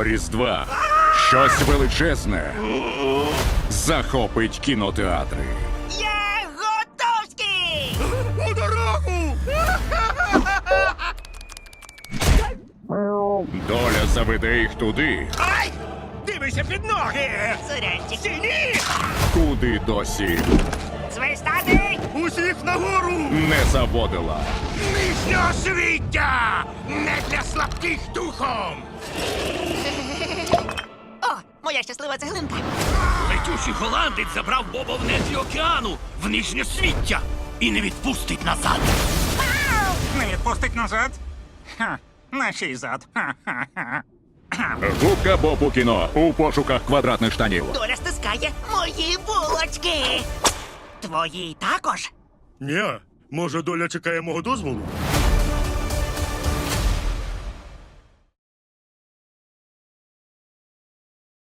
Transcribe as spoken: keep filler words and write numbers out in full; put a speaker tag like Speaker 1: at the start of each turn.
Speaker 1: Цього Різдва щось величезне захопить кінотеатри.
Speaker 2: Я готовський!
Speaker 3: У дорогу!
Speaker 1: Доля заведе їх туди,
Speaker 3: Ай! Дивися під ноги!
Speaker 2: Сурянчик.
Speaker 3: Стіні!
Speaker 1: куди досі
Speaker 2: Свистати!
Speaker 3: Усіх нагору!
Speaker 1: не заводила.
Speaker 3: Нижнього свіття! Не для слабких духом!
Speaker 2: О, моя щаслива цеглинка.
Speaker 4: Летючий голландець забрав Боба в нетрі океану, в нижнє свіття, і не відпустить назад.
Speaker 5: Не відпустить назад? Ха, на чий зад? Ха-ха-ха.
Speaker 1: Губка Боб у кіно у пошуках квадратних штанів.
Speaker 2: Доля стискає мої булочки. Твої також.
Speaker 3: Ні, може доля чекає мого дозволу?